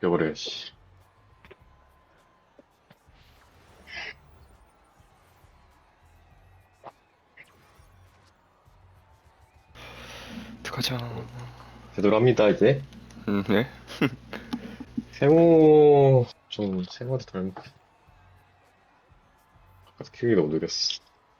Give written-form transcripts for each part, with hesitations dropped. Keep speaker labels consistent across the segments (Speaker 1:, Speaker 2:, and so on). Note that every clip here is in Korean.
Speaker 1: 바뀌어버려, 씨.
Speaker 2: 가자.
Speaker 1: 되돌아갑니다, 이제.
Speaker 2: 네.
Speaker 1: 세모한테 덜, 아까 키우기 너무 느렸어.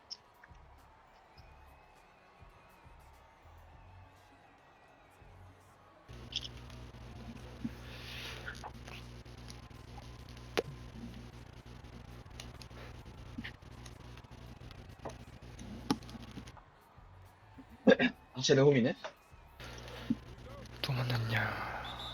Speaker 3: 쟤네 홈이네?
Speaker 2: 또 만났냐.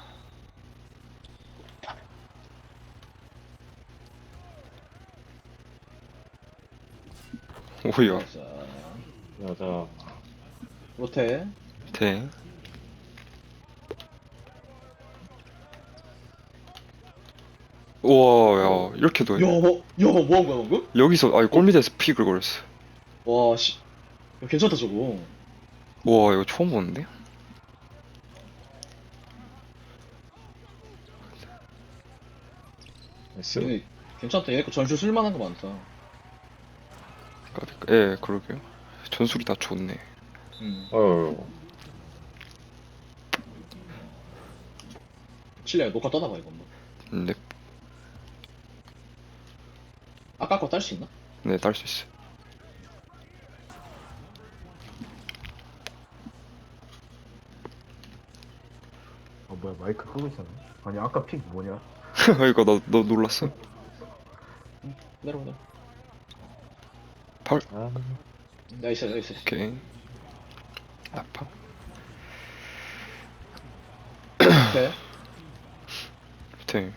Speaker 2: 오야.
Speaker 3: 자,
Speaker 1: 맞아.
Speaker 3: 못해.
Speaker 2: 대. 우와, 야, 이렇게도 해.
Speaker 3: 뭐 한 거야, 방금?
Speaker 2: 여기서, 아니, 골밑에서 픽을 걸었어.
Speaker 3: 와, 씨. 야, 괜찮다, 저거.
Speaker 2: 우와, 이거 처음 보는데?
Speaker 1: 나이스.
Speaker 3: 얘네, 괜찮다. 얘네 거 전술 쓸만한 거 많다.
Speaker 2: 예, 그러게요. 전술이 다 좋네.
Speaker 1: 어,
Speaker 3: 칠레야, 녹화 떠나봐, 이거 뭐.
Speaker 2: 네,
Speaker 3: 아까 거 딸 수 있나?
Speaker 2: 네, 딸 수 있어.
Speaker 4: 뭐야 마이크 끄고 있었네. 아니 아까 픽 뭐냐?
Speaker 2: 이거 너 놀랐어?
Speaker 3: 내려와, 내려와.
Speaker 2: 발.
Speaker 1: 아,
Speaker 3: 나이스, 나이스.
Speaker 2: 오케이. 아파.
Speaker 3: 오케이.
Speaker 2: 대.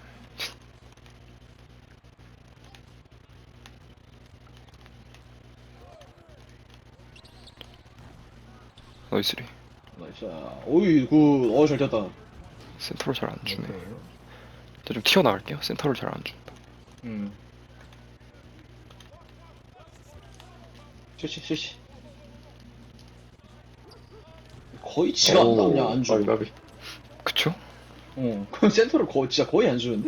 Speaker 2: 나이스리.
Speaker 3: 나이스. 오이, 굿. 잘 됐다.
Speaker 2: 센터를 잘 안 주네.
Speaker 4: 오케이.
Speaker 2: 저 좀 튀어나갈게요. 센터를 잘 안 준다.
Speaker 3: 쉬쉬. 거의 지가 안 나오냐, 안 줘.
Speaker 1: 까비.
Speaker 2: 그쵸?
Speaker 3: 그 센터를 진짜 거의 안 주는데?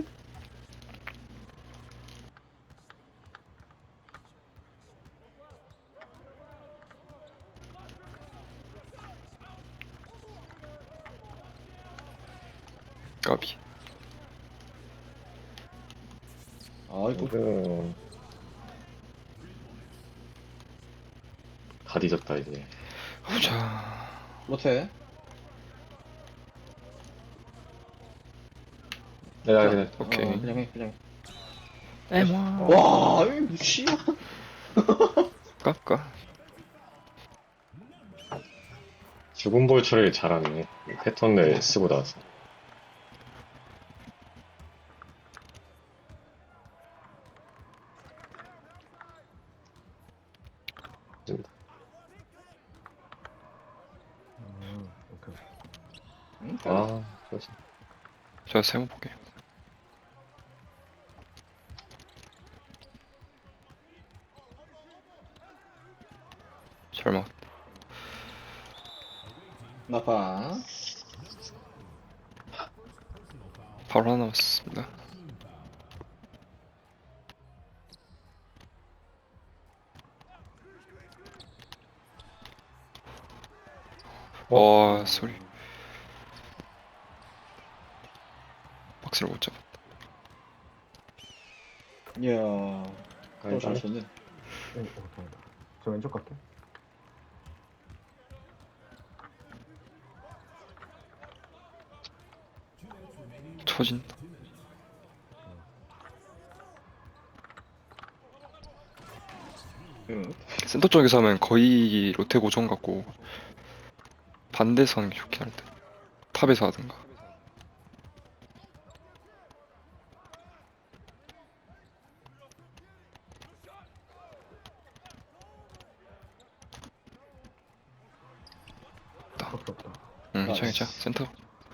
Speaker 2: 까비.
Speaker 3: 아이고.
Speaker 1: 다 뒤졌다, 이제.
Speaker 2: 보자.
Speaker 3: 못해.
Speaker 1: 그냥.
Speaker 2: 오케이.
Speaker 3: 그냥 해, 그냥 해.
Speaker 2: 에모.
Speaker 3: 와, 이 무시야.
Speaker 2: 깝까.
Speaker 1: 죽은 볼 처리를 잘하네. 패턴을 쓰고 나서.
Speaker 4: 오케이.
Speaker 1: 아, 그렇지.
Speaker 2: 제가 세모 볼게요. 잘 먹.
Speaker 3: 나파.
Speaker 2: 바로 하나 남았습니다. 소리. 박스를 못 잡아.
Speaker 3: 이야. 잘 쳤네.
Speaker 4: 다행이다. 저 왼쪽 갈게.
Speaker 2: 처진다. 센터 쪽에서 하면 거의 로테 고정 같고 반대에서 하는 게 좋긴 할 듯. 탑에서 하든가.
Speaker 4: 밖에 없다.
Speaker 2: 응, 괜찮아. 센터.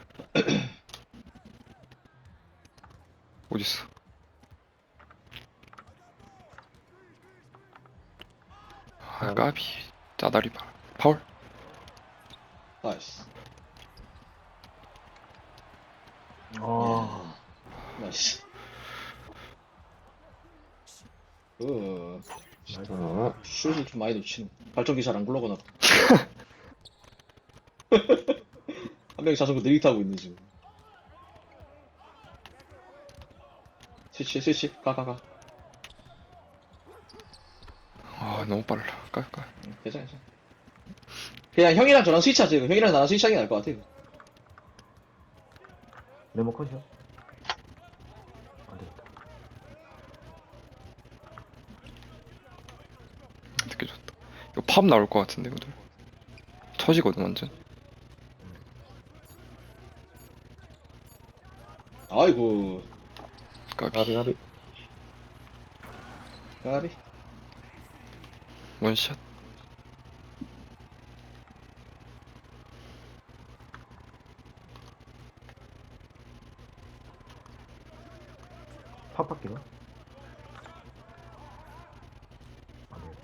Speaker 2: 어딨어? 아, 까비. 짜다리 봐. 파울?
Speaker 3: 나이스.
Speaker 4: 아
Speaker 3: 나이스.
Speaker 4: 나이스.
Speaker 3: 슛을 좀 많이 놓치는. 발전기 잘 안 굴러가나 봐. 한 명이 자전거 느리게 타고 있네, 지금. 스위치. 가.
Speaker 2: 아, 너무 빨라. 깔깔.
Speaker 3: 괜찮아. 그냥 형이랑 저랑 스위치하지. 형이랑 나랑 스위치하는 게 나을 것 같아.
Speaker 4: 네모 컷이야? 안 되겠다.
Speaker 2: 되게 좋다. 이거 팝 나올 것 같은데, 이거 터지거든, 완전.
Speaker 3: 아이고,
Speaker 2: 까비.
Speaker 3: 까비.
Speaker 2: 원샷.
Speaker 4: 팝바퀴가? 안 되겠다.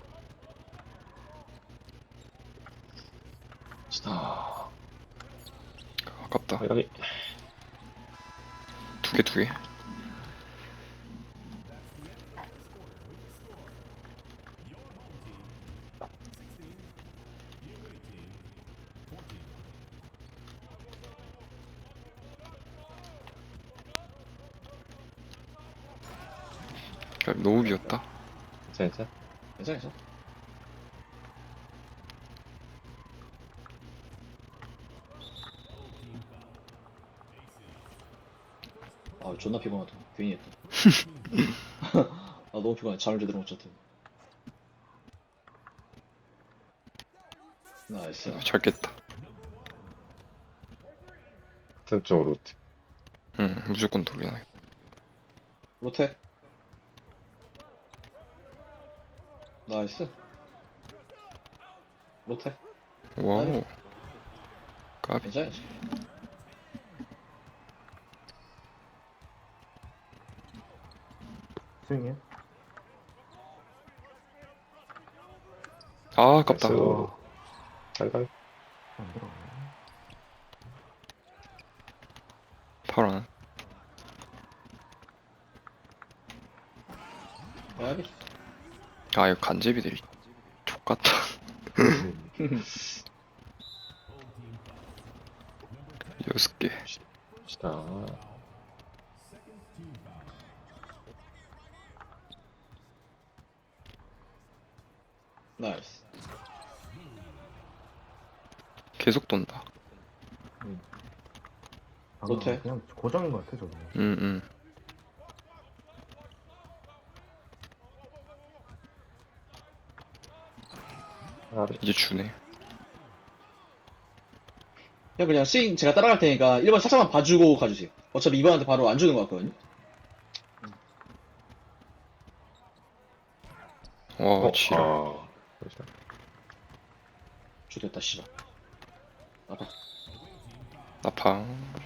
Speaker 1: 스타.
Speaker 2: 아깝다.
Speaker 1: 여기.
Speaker 2: 두 개. 까비, 너무 비었다.
Speaker 1: 괜찮아.
Speaker 3: 괜찮아. 아, 존나 피곤하다. 괜히 했다. 아, 너무 피곤해. 잠을 제대로 못 잤다. 나이스.
Speaker 2: 잘 깼다.
Speaker 1: 같은 쪽으로.
Speaker 2: 응, 무조건 돌려놔.
Speaker 3: 로테. 나이스. 로테.
Speaker 2: 와우. 까비.
Speaker 3: 괜찮아.
Speaker 4: 스윙해?
Speaker 2: 아, 아깝다.
Speaker 1: 깔깔.
Speaker 4: 안 들어가네.
Speaker 2: 파란.
Speaker 3: 까비.
Speaker 2: 아, 이거 간제비들이 족같다. 여섯 개.
Speaker 1: 스타.
Speaker 3: 나이스.
Speaker 2: 계속 돈다.
Speaker 4: 방금
Speaker 3: 못해.
Speaker 4: 그냥 고정인 것 같아, 저거.
Speaker 2: 응. 이제 주네.
Speaker 3: 형 그냥 스윙 제가 따라갈 테니까 1번 살짝만 봐주고 가주세요. 어차피 2번한테 바로 안 주는 것 같거든요.
Speaker 2: 와, 지랄.
Speaker 1: 그렇죠.
Speaker 3: 좋됐다 씨발. 아파.
Speaker 2: 나팡.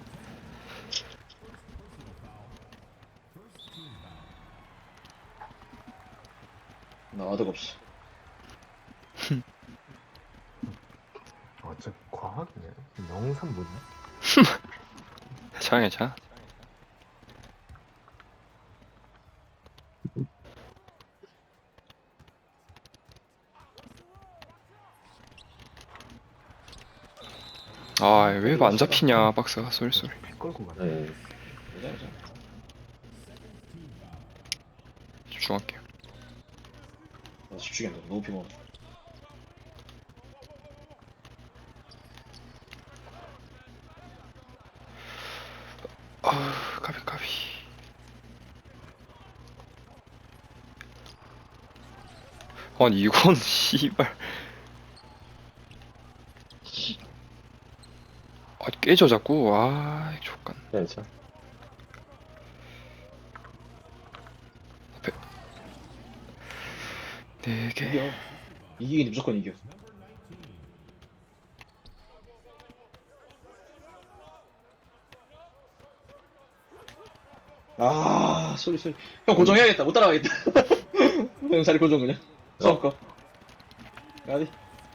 Speaker 3: 나 와드가 없어.
Speaker 4: 아, 진짜 과학이네. 영산 뭐냐?
Speaker 2: 괜찮아. 아, 왜 안 잡히냐, 박스가. 쏠.
Speaker 4: 피 끌고 가네.
Speaker 3: 괜찮아.
Speaker 2: 집중할게요.
Speaker 3: 나 집중이 안 돼. 너무 피곤해.
Speaker 2: 아, 까비. 아니, 이건, 씨발. 아, 깨져, 자꾸. 아, 족간.
Speaker 1: 괜찮아.
Speaker 2: 네 개.
Speaker 3: 이겨. 이기긴 무조건 이겨. 아, 소리. 형 고정해야겠다. 못 따라가겠다. 형 자리 고정 그냥. 처음 거. 가디.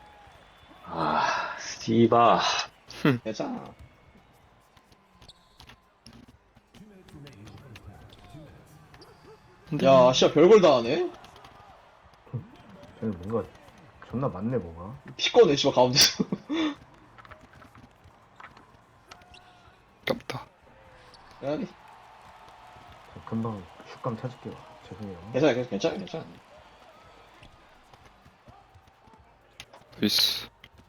Speaker 1: 스티바.
Speaker 3: 괜찮아.
Speaker 2: 근데
Speaker 3: 야, 씨야, 별걸 다 하네?
Speaker 4: 쟤는 뭔가 존나 많네 뭐가.
Speaker 3: 피 꺼내, 씨발, 가운데서.
Speaker 2: 아깝다.
Speaker 3: 아니,
Speaker 4: 저 금방 슛감 찾을게요. 죄송해요.
Speaker 3: 괜찮아.
Speaker 2: 나이스.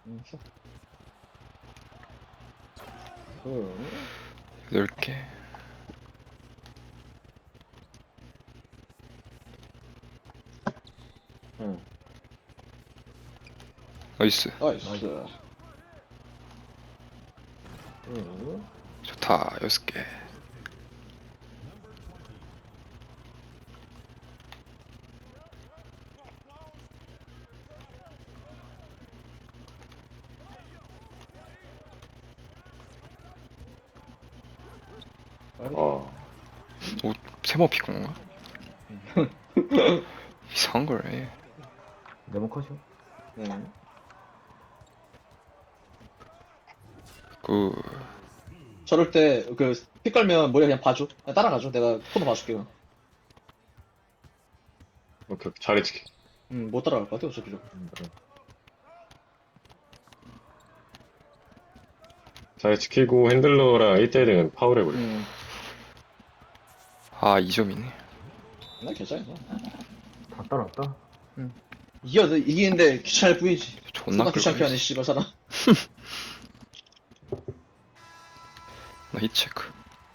Speaker 3: 응.
Speaker 2: 8개.
Speaker 3: 응.
Speaker 2: 나이스.
Speaker 3: 나이스. 응.
Speaker 2: 좋다. 6개.
Speaker 1: 어,
Speaker 2: 오, 세모 피곤 건가? 이상한 거래.
Speaker 4: 네모 컷이요?
Speaker 3: 네.
Speaker 2: 그,
Speaker 3: 저럴 때, 피 깔면 머리 그냥 봐줘. 그냥 따라가줘. 내가 코너 봐줄게. 그냥.
Speaker 1: 오케이, 자리 지키.
Speaker 3: 못 따라갈 것 같아, 어차피 저거.
Speaker 1: 자리 지키고 핸들러랑 1대1은 파울해버려.
Speaker 2: 아, 2점이네.
Speaker 3: 나 괜찮아.
Speaker 4: 다 따라왔다.
Speaker 3: 이기는데 귀찮을 뿐이지.
Speaker 2: 존나
Speaker 3: 존나 귀찮게 하네,
Speaker 2: 끌고
Speaker 3: 씨발, 사람.
Speaker 2: 나 히체크.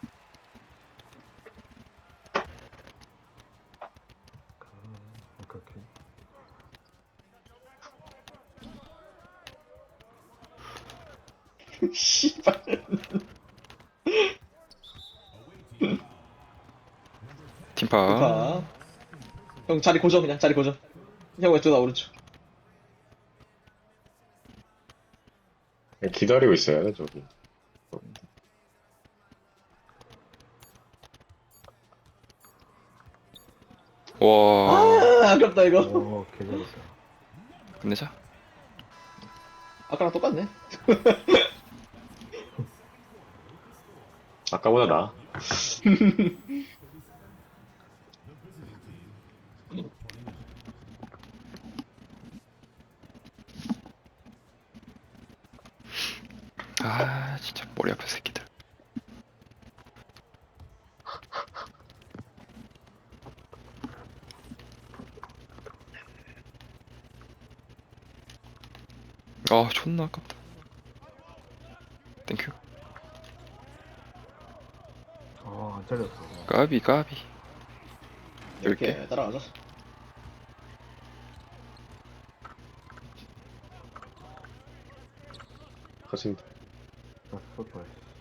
Speaker 4: 오케이 오케이.
Speaker 3: 씨발.
Speaker 2: 팀파.
Speaker 3: 봐. 형, 자리 고정, 그냥. 자리 고정. 형, 왼쪽, 나 오른쪽.
Speaker 1: 그냥 기다리고 있어야 돼, 저기.
Speaker 2: 와,
Speaker 3: 아, 아깝다, 이거.
Speaker 4: 오 개잘했다.
Speaker 2: 끝내자.
Speaker 3: 아까랑 똑같네.
Speaker 1: 아까보다 나아.
Speaker 2: 아, 진짜 머리 아픈 새끼들. 아, 존나 아깝다. 땡큐.
Speaker 4: 아안 잘렸어.
Speaker 2: 까비, 까비.
Speaker 3: 이렇게 따라가자.
Speaker 1: 커진다.
Speaker 4: 나 쏠걸.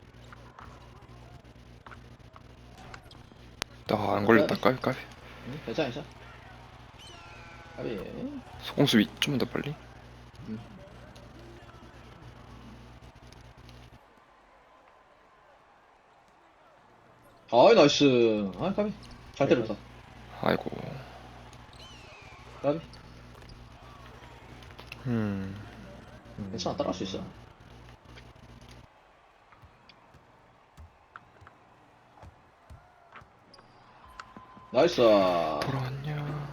Speaker 2: 아, 안 걸렸다. 까비, 까비.
Speaker 3: 괜찮아. 아비.
Speaker 2: 소공수비 좀만 더 빨리.
Speaker 3: 아이, 나이스. 아이, 까비. 잘 때렸다.
Speaker 2: 아이고.
Speaker 3: 까비.
Speaker 2: 음,
Speaker 3: 괜찮아, 따라갈 수 있어. 나이스.
Speaker 2: 돌아왔냐.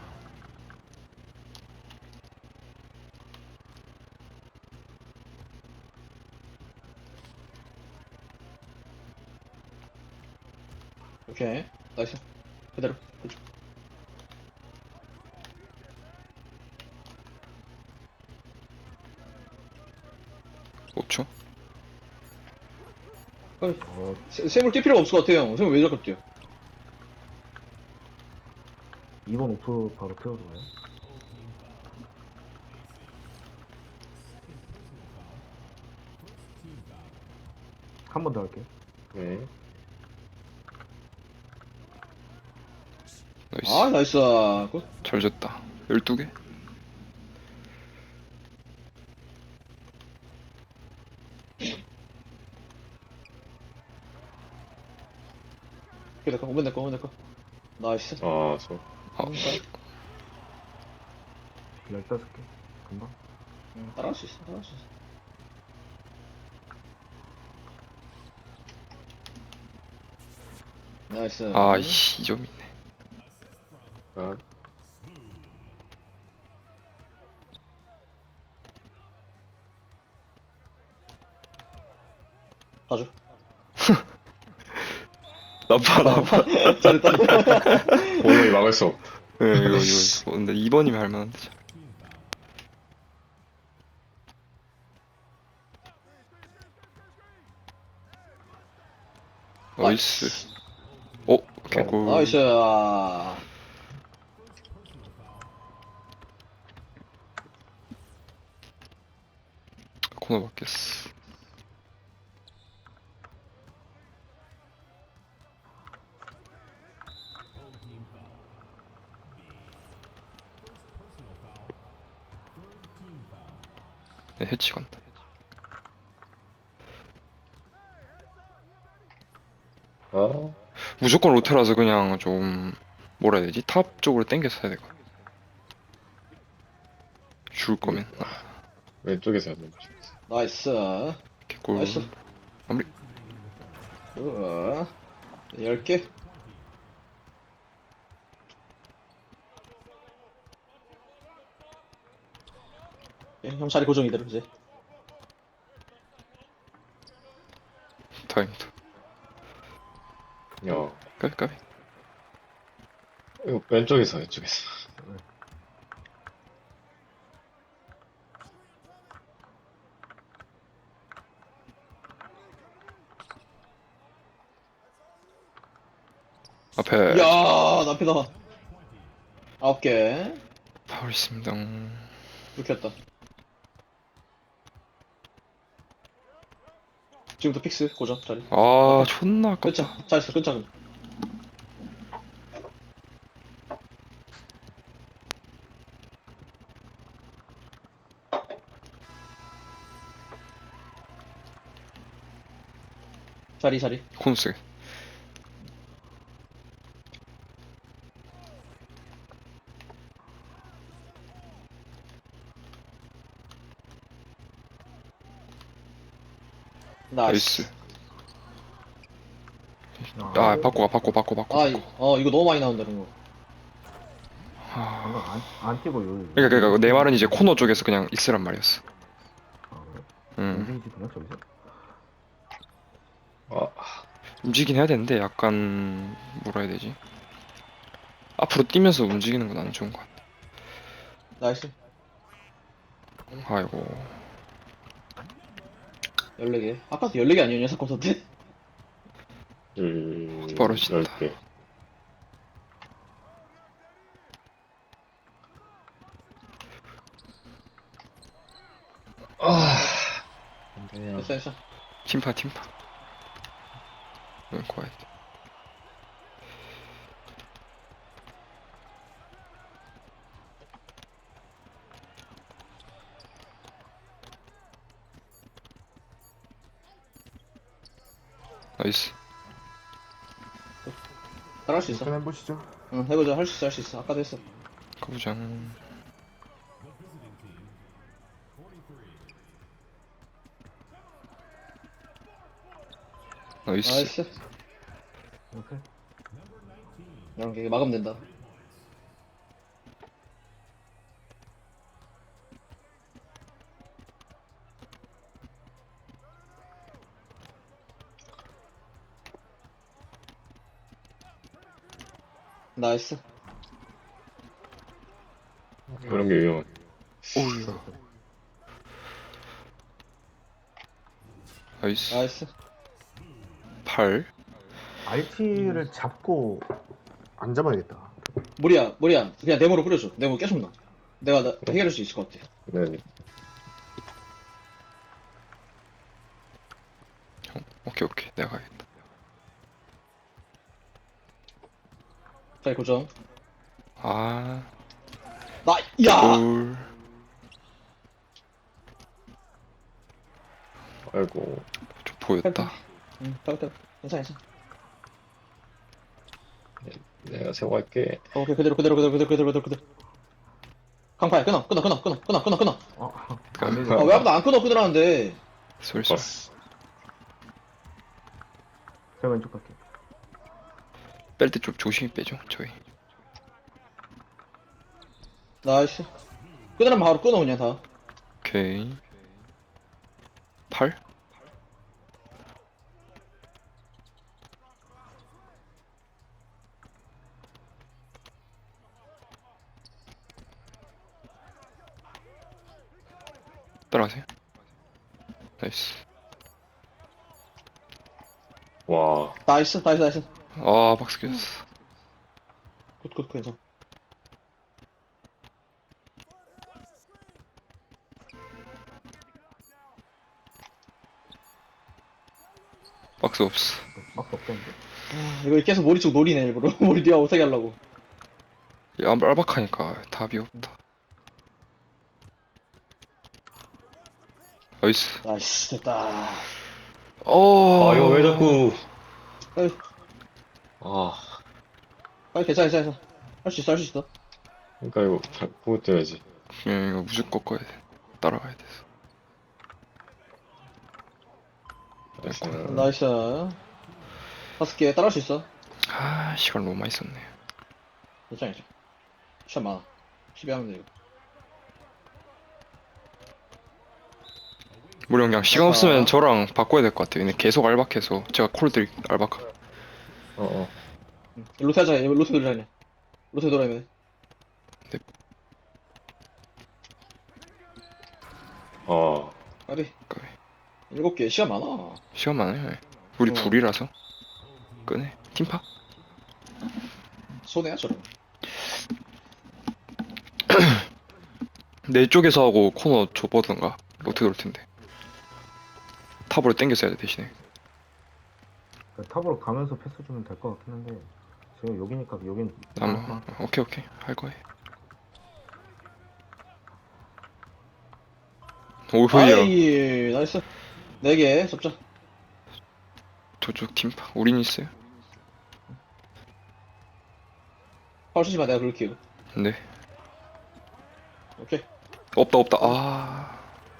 Speaker 3: 오케이. 나이스. 그대로. 그쪽.
Speaker 2: 5초.
Speaker 4: 어
Speaker 3: 세물 뛸 필요가 없을 것 같아요. 세물 왜 자꾸 뛰어?
Speaker 4: 2번 오프 바로 태워서 가요. 한 번 더 할게.
Speaker 1: 네.
Speaker 2: 나이스.
Speaker 3: 아, 나이스. 굿.
Speaker 2: 잘 졌다. 12개.
Speaker 3: 오케이, 오면 내 거, 오면 내 거. 나이스.
Speaker 1: 아, 저.
Speaker 2: 아,
Speaker 4: 15개. 금방.
Speaker 3: 따라갈 수 있어, 따라갈 수 있어. 나이스.
Speaker 2: 아, 이씨, 2점 있네.
Speaker 1: 아,
Speaker 3: 봐줘.
Speaker 2: 나빠.
Speaker 3: 잘했다.
Speaker 1: 도저히 막을 수 없다.
Speaker 2: 네, 이거. 근데 2번이면 할만한데. 참. 나이스. 개꿀.
Speaker 3: 나이스.
Speaker 2: 코너 바뀌었어. 네, 해치 간다.
Speaker 1: 아,
Speaker 2: 무조건 로테라서 그냥 좀 뭐라 해야 되지? 탑 쪽으로 당겨서 해야 될 것 같아. 줄 거면.
Speaker 1: 왼쪽에서 하는 거지.
Speaker 3: 나이스.
Speaker 2: 개꿀.
Speaker 3: 나이스.
Speaker 2: 마무리.
Speaker 3: 10개. 형 자리 고정 이대로 이제.
Speaker 2: 다행이다.
Speaker 1: 야,
Speaker 2: 까비.
Speaker 1: 이거 왼쪽에서, 왼쪽에서.
Speaker 2: 앞에
Speaker 3: 야, 남피다. 9개.
Speaker 2: 파울 있습니다.
Speaker 3: 묵혔다. 지금부터 픽스 고정 자리.
Speaker 2: 아, 존나 아깝다.
Speaker 3: 끊자. 잘했어. 끊자. 그럼. 자리.
Speaker 2: 코너 쓰게.
Speaker 3: 나이스.
Speaker 2: 나이스. 아, 바꿔.
Speaker 3: 이거 너무 많이 나온다, 이런 거.
Speaker 4: 방금
Speaker 2: 아,
Speaker 4: 안 뛰고 여기.
Speaker 2: 그러니까 내 말은 이제 코너 쪽에서 그냥 있으란 말이었어.
Speaker 4: 아, 그래?
Speaker 2: 응.
Speaker 4: 움직이지 그냥 저기서?
Speaker 1: 아,
Speaker 2: 움직이긴 해야 되는데 약간 뭐라 해야 되지? 앞으로 뛰면서 움직이는 건 안 좋은 것 같아.
Speaker 3: 나이스.
Speaker 2: 아이고.
Speaker 3: 14개. 아까도 14개 아니었냐, 사건 때?
Speaker 2: 벌어진다.
Speaker 1: 10개. 아,
Speaker 3: 됐어.
Speaker 2: 팀파. 응, 과해. 나이스.
Speaker 3: 따라할 수 있어.
Speaker 4: 한번 해보시죠.
Speaker 3: 응, 해보자. 할 수 있어. 아까도 했어.
Speaker 2: 가보자. 나이스.
Speaker 3: 나이스.
Speaker 4: 오케이.
Speaker 3: 이런 게 막으면 된다. 나이스.
Speaker 1: 그런 게 위험해.
Speaker 2: 오우. 나이스.
Speaker 3: 나이스.
Speaker 2: 8.
Speaker 4: RT를 잡고 안 잡아야겠다.
Speaker 3: 무리야. 그냥 네모로 뿌려줘. 네모 계속 나. 내가 해결할 수 있을 것 같아.
Speaker 1: 네.
Speaker 2: 오케이. 내가 가야겠다.
Speaker 3: 자리 고정.
Speaker 2: 아.
Speaker 3: 야!
Speaker 2: 올.
Speaker 1: 아이고.
Speaker 2: 좀 보였다.
Speaker 3: 응, 따뜻해. 괜찮아.
Speaker 1: 내가 세고 할게.
Speaker 3: 오케이, 그대로. 강파야, 끊어.
Speaker 4: 안 되지.
Speaker 3: 왜 아무도 안 끊으라는데.
Speaker 2: 솔솔.
Speaker 1: 봤어.
Speaker 4: 제가 왼쪽 갈게.
Speaker 2: 뺄 때 좀 조심히 빼죠, 저희.
Speaker 3: 나이스. 끊으면 바로 끊어, 그냥 다.
Speaker 2: 오케이. 8? 따라가세요. 나이스.
Speaker 1: 와,
Speaker 3: 나이스, 나이스, 나이스.
Speaker 2: 아, 박스 깨졌어.
Speaker 3: 굿, 괜찮아.
Speaker 2: 박스 없어.
Speaker 4: 막스 없겠는데?
Speaker 3: 이거 계속 머리 쪽 노리네, 일부러. 머리 뒤가 못하게 하려고.
Speaker 2: 야, 알박하니까 답이 없다. 나이스.
Speaker 3: 나이스, 됐다.
Speaker 2: 어.
Speaker 1: 아, 이거 왜 자꾸,
Speaker 3: 빨리,
Speaker 1: 아,
Speaker 3: 빨리, 괜찮아. 할 수 있어.
Speaker 1: 그러니까 이거 잘 보고 뛰어야지.
Speaker 2: 이거 무조건 꺾어야 돼. 따라가야 돼서.
Speaker 1: 나이스.
Speaker 3: 나이스. 5개 따라할 수 있어.
Speaker 2: 아, 시간 너무 많이 썼네.
Speaker 3: 괜찮아. 시간 많아. 12 하면 돼, 이거.
Speaker 2: 우리 그냥 시간 없으면 저랑 바꿔야 될 것 같아요. 얘네 계속 알박해서 제가 콜들 알박.
Speaker 1: 어.
Speaker 3: 로테 하자, 로테 돌리자, 그냥. 로테 돌아야면 돼.
Speaker 1: 어.
Speaker 3: 빨리.
Speaker 2: 까비.
Speaker 3: 7개. 시간 많아.
Speaker 2: 시간 많아요. 우리
Speaker 3: 어.
Speaker 2: 둘이라서 끄네. 팀파.
Speaker 3: 손해야, 저러면.
Speaker 2: 내 쪽에서 하고 코너 좁어던가 어떻게 돌 텐데. 탑으로 당겨서 해야 돼 대신에.
Speaker 4: 그러니까 탑으로 가면서 패스 주면 될 것 같긴 한데 지금 여기니까 여긴
Speaker 2: 오케이 할 거예요. 오호야.
Speaker 3: 아이, 나이스. 4개, 접자.
Speaker 2: 저쪽 팀파. 우린 있어요.
Speaker 3: 파울 치지 마, 내가 그럴게요.
Speaker 2: 네.
Speaker 3: 오케이.
Speaker 2: 없다. 아.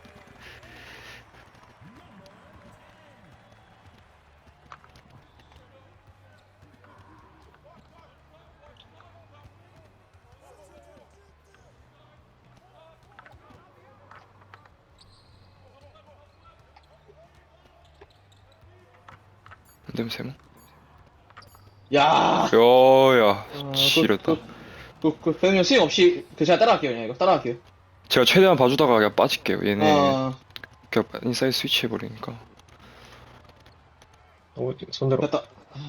Speaker 2: 안 되면 세모.
Speaker 3: 야.
Speaker 2: 야야. 지렸다.
Speaker 3: 그냥 스윙 없이 제가 따라갈게요, 그냥 이거. 따라갈게요.
Speaker 2: 제가 최대한 봐주다가 그냥 빠질게요. 얘네
Speaker 3: 아,
Speaker 2: 그냥 인사이드 스위치 해버리니까.
Speaker 1: 손대로.
Speaker 3: 됐다.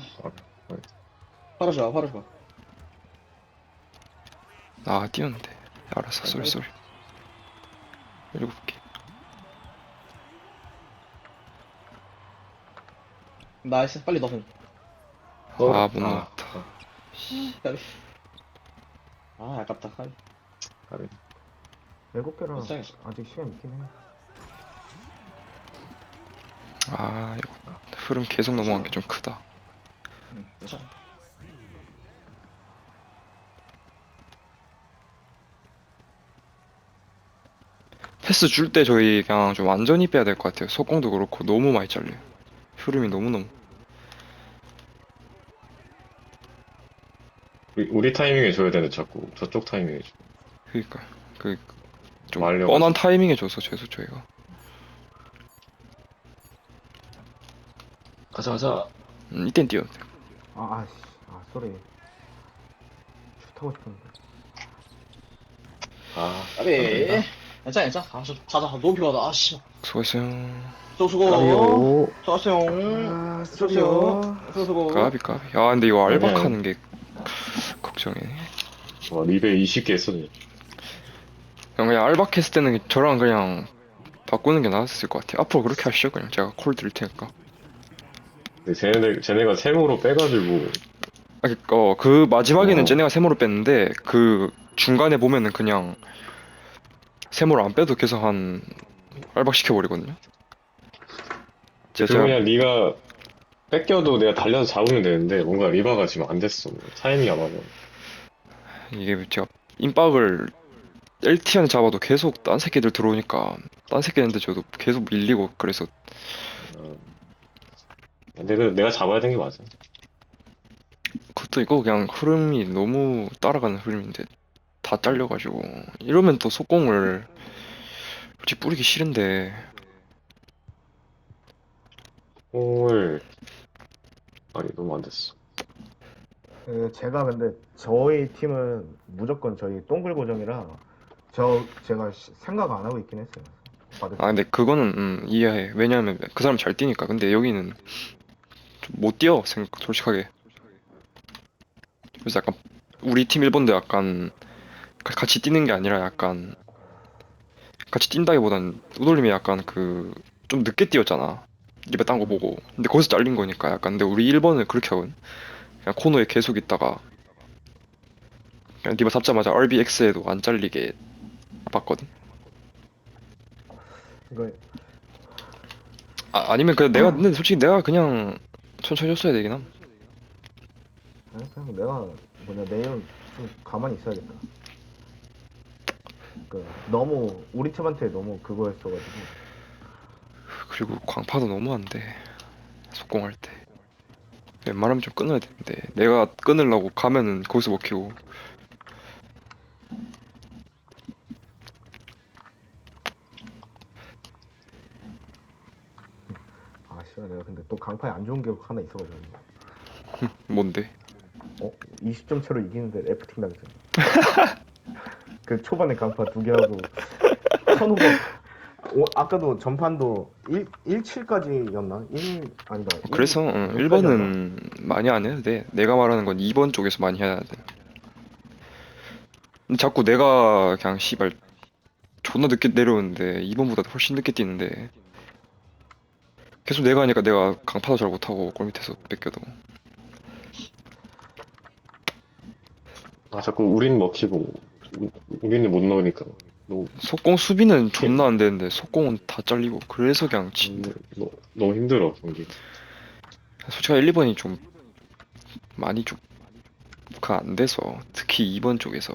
Speaker 3: 팔아줘 봐.
Speaker 2: 아 뛰었는데. 알았어. 쏘리. 7개.
Speaker 3: 나이스. 빨리 넣어.
Speaker 2: 아, 못 넣었다.
Speaker 3: 까비. 아, 아깝다. 까비.
Speaker 4: 7개라
Speaker 3: 불쌍했어.
Speaker 4: 아직 시간 있긴 해.
Speaker 2: 아 이거 흐름 계속 넘어간 게 좀 크다.
Speaker 3: 괜찮아.
Speaker 2: 패스 줄 때 저희 그냥 좀 완전히 빼야 될 것 같아요. 속공도 그렇고 너무 많이 잘려요. 흐름이 너무너무.
Speaker 1: 우리 타이밍에 줘야 되는데 자꾸 저쪽 타이밍에 줘.
Speaker 2: 그니까 그 좀
Speaker 1: 말려가지고.
Speaker 2: 뻔한 타이밍에 줘서 죄송 저희가.
Speaker 1: 가자.
Speaker 2: 이땐 뛰어도 돼요.
Speaker 4: 쏘리. 슛하고 싶었는데.
Speaker 1: 아,
Speaker 3: 까비. 괜찮아. 아, 가자. 너무 피곤하다. 아, 씨.
Speaker 2: 수고했어요.
Speaker 3: 수고. 수고.
Speaker 2: 까비. 아 근데 이거
Speaker 1: 아니야.
Speaker 2: 알박하는 게 걱정이네.
Speaker 1: 와, 리베 20개 했어.
Speaker 2: 그냥 알박했을 때는 저랑 그냥 바꾸는 게 나았을 것 같아요. 앞으로 그렇게 하시죠. 그냥 제가 콜 드릴 테니까.
Speaker 1: 근데 쟤네가 세모로 빼가지고
Speaker 2: 그 마지막에는
Speaker 1: 어.
Speaker 2: 쟤네가 세모로 뺐는데 그 중간에 보면은 그냥 세모를 안 빼도 계속 한 알박 시켜버리거든요.
Speaker 1: 그거 그냥 네가 뺏겨도 내가 달려서 잡으면 되는데 뭔가 리바가 지금 안 됐어. 타이밍이 안 맞아.
Speaker 2: 이게 제가 임박을 LTN 잡아도 계속 딴 새끼들 들어오니까 딴 새끼한테 저도 계속 밀리고 그래서
Speaker 1: 어. 근데 내가 잡아야 되는 게 맞아.
Speaker 2: 그것도 이거 그냥 흐름이 너무 따라가는 흐름인데 다 잘려가지고 이러면 또 속공을 솔직히 뿌리기 싫은데
Speaker 1: 홀. 아니, 너무 안 됐어.
Speaker 4: 제가 근데 저희 팀은 무조건 저희 동굴 고정이라 제가 생각 안 하고 있긴 했어요. 받을
Speaker 2: 아 근데 그거는 이해해. 왜냐하면 그 사람 잘 뛰니까. 근데 여기는 좀 못 뛰어 솔직하게. 그래서 약간 우리 팀 1번도 약간 같이 뛰는 게 아니라 약간 같이 뛴다기보단 우돌림이 약간 그 좀 늦게 뛰었잖아. 입에 딴 거 보고. 근데 거기서 잘린 거니까 약간. 근데 우리 1번은 그렇게 하거든. 그냥 코너에 계속 있다가 그냥 리바 잡자마자 RBX에도 안 잘리게 봤거든.
Speaker 4: 이거
Speaker 2: 아니면 그냥 내가 근데 솔직히 내가 그냥 천천히 줬어야 되긴 함.
Speaker 4: 그냥 내가 내일은 좀 가만히 있어야겠다. 너무 우리 팀한테 너무 그거였어가지고.
Speaker 2: 그리고 광파도 너무 안 돼. 속공할 때. 웬만하면 좀 끊어야 되는데 내가 끊으려고 가면은 거기서 먹히고.
Speaker 4: 아 씨발 내가 근데 또 강파에 안 좋은 기억 하나 있어가지고.
Speaker 2: 뭔데?
Speaker 4: 20점 차로 이기는데 F팀 당했잖아. 그 초반에 강파 2개 하고 1500. 아까도 전판도 17까지였나? 1 아니다.
Speaker 2: 그래서 1번은 많이 안 해도 돼. 내가 말하는 건 2번 쪽에서 많이 해야 돼. 근데 자꾸 내가 그냥 씨발 존나 늦게 내려오는데 2번보다 훨씬 늦게 뛰는데 계속 내가 하니까 내가 강파도 잘 못하고 골 밑에서 뺏겨도.
Speaker 1: 아, 자꾸 우린 먹히고, 우리는 못 넣으니까. 너무,
Speaker 2: 속공 수비는 존나 안 되는데 속공은 다 잘리고 그래서 그냥
Speaker 1: 너무 힘들어, 경기.
Speaker 2: 솔직히 1, 2번이 좀 많이 좀 가 안 돼서 특히 2번 쪽에서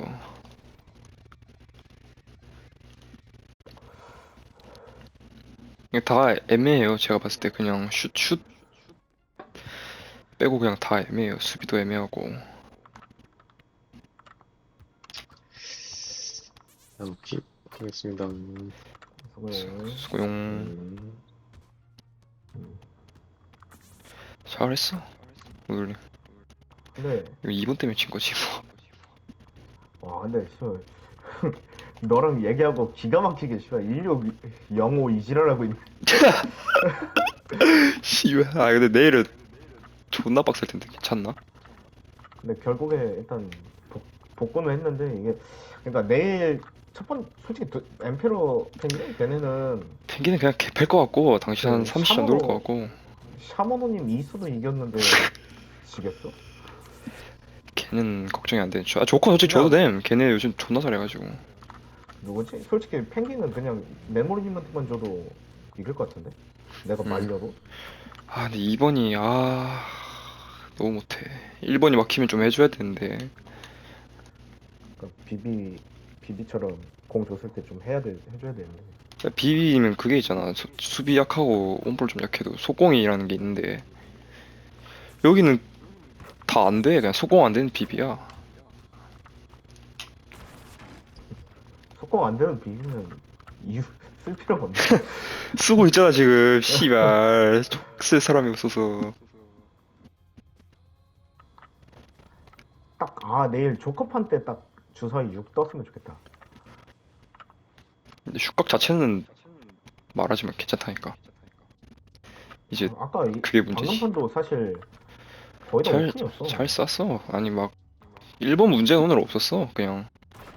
Speaker 2: 그냥 다 애매해요. 제가 봤을 때 그냥 슛 빼고 그냥 다 애매해요. 수비도 애매하고.
Speaker 1: 오케이. 하겠습니다.
Speaker 2: 수고용. 잘했어. 오늘
Speaker 4: 근데
Speaker 2: 이거 2번 때문에 진 거지 뭐.
Speaker 4: 와 근데 씨발 너랑 얘기하고 기가 막히게 씨발 1605 이지랄하고 있네.
Speaker 2: 씨발. 아 근데 내일은 존나 빡셀 텐데 괜찮나?
Speaker 4: 근데 결국에 일단 복권을 했는데 이게 그러니까 내일 솔직히 엠페로 펭귄 걔네는
Speaker 2: 펭귄은 그냥 개팰 것 같고 당신 한
Speaker 4: 그
Speaker 2: 30점 넣을 것 같고
Speaker 4: 샤머노님 이수도 이겼는데 지겠어?
Speaker 2: 걔는 걱정이 안 돼. 조커 솔직히 줘도 됨. 걔네 요즘 존나 잘해가지고.
Speaker 4: 누구지? 솔직히 펭귄은 그냥 메모리님한테만 줘도 이길 것 같은데? 내가 말려도?
Speaker 2: 아 근데 2번이 너무 못해. 1번이 막히면 좀 해줘야 되는데
Speaker 4: 그러니까 비비처럼 공 줬을 때 좀 해줘야 되는데.
Speaker 2: 비비면 그게 있잖아. 수비 약하고 온볼 좀 약해도 속공이라는 게 있는데 여기는 다 안 돼. 그냥 속공 안 되는 비비야.
Speaker 4: 속공 안 되는 비비면 이유 쓸 필요가 없네.
Speaker 2: 쓰고 있잖아 지금. 씨발 쓸 사람이 없어서.
Speaker 4: 내일 조커판 때 딱 주사위 6 떴으면 좋겠다.
Speaker 2: 근데 슛각 자체는 말하지만 괜찮다니까. 이제
Speaker 4: 아까
Speaker 2: 그게 문제지.
Speaker 4: 방금판도 사실 거의 다 오픈이었어.
Speaker 2: 잘 쐈어. 아니 막 1번 문제는 오늘 없었어. 그냥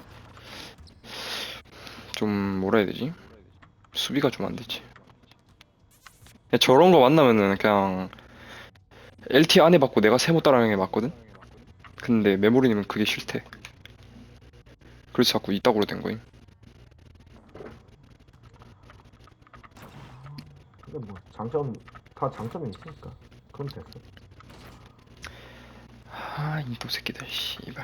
Speaker 2: 좀 뭐라 해야 되지? 수비가 좀 안 되지. 그냥 저런 거 만나면은 그냥 LT 안에 받고 내가 세모 따라하는 게 맞거든? 근데 메모리님은 그게 싫대. 그래서 자꾸 이따구로 된 거임.
Speaker 4: 근데 뭐 다 장점이 있으니까 그럼 됐어.
Speaker 2: 인도 새끼들 씨발.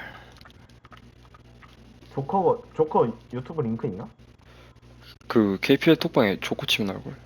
Speaker 4: 조커 유튜브 링크 있나?
Speaker 2: 그 KPL 톡방에 조코 치면 나올걸.